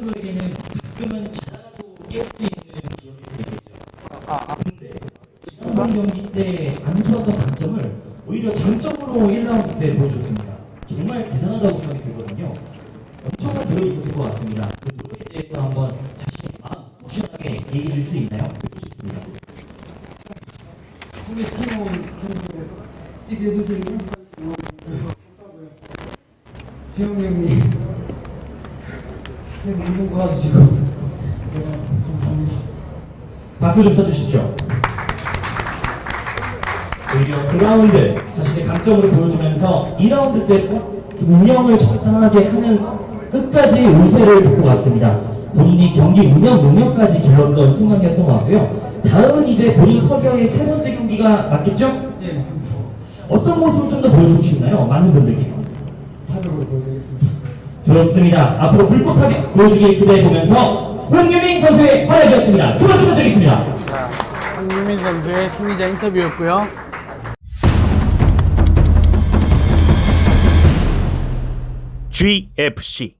선수에게는 가끔은 자다가도 깰 수 있는 기억이 되겠죠. 근데 지난번 경기 때 안 좋았던 단점을 오히려 장점으로 1라운드 때 보여줬습니다. 정말 대단하다고 생각이 들거든요. 엄청난 노력이 있었을 것 같습니다. 그 노력에 대해서 한번 자신의 마음 확실하게 얘기해 줄 수 있나요? 듣고 싶습니다. 우리 팀원 선수들 이렇게 해주신 감사하고요. 지영이 형님 내 운동 도와주시고 감사합니다. 박수 좀 쳐주십시오. 오히려 그 라운드 자신의 강점으로 보여주면서 2라운드 때 운영을 적당하게 하는 끝까지 우세를 돋고 왔습니다. 본인이 경기 운영 능력까지 길렀던 순간이었던 것 같고요. 다음은 이제 본인 커리어의 세 번째 경기가 맞겠죠? 예, 맞습니다. 어떤 모습을 좀 더 보여주고 싶나요? 많은 분들께. 타격으로 보여드리겠습니다. 좋습니다. 앞으로 불꽃하게 보여주길 기대해보면서 홍유민 선수의 활약이었습니다. 큰 박수 부탁드리겠습니다. 황유민 선수의 승리자 인터뷰였고요. GFC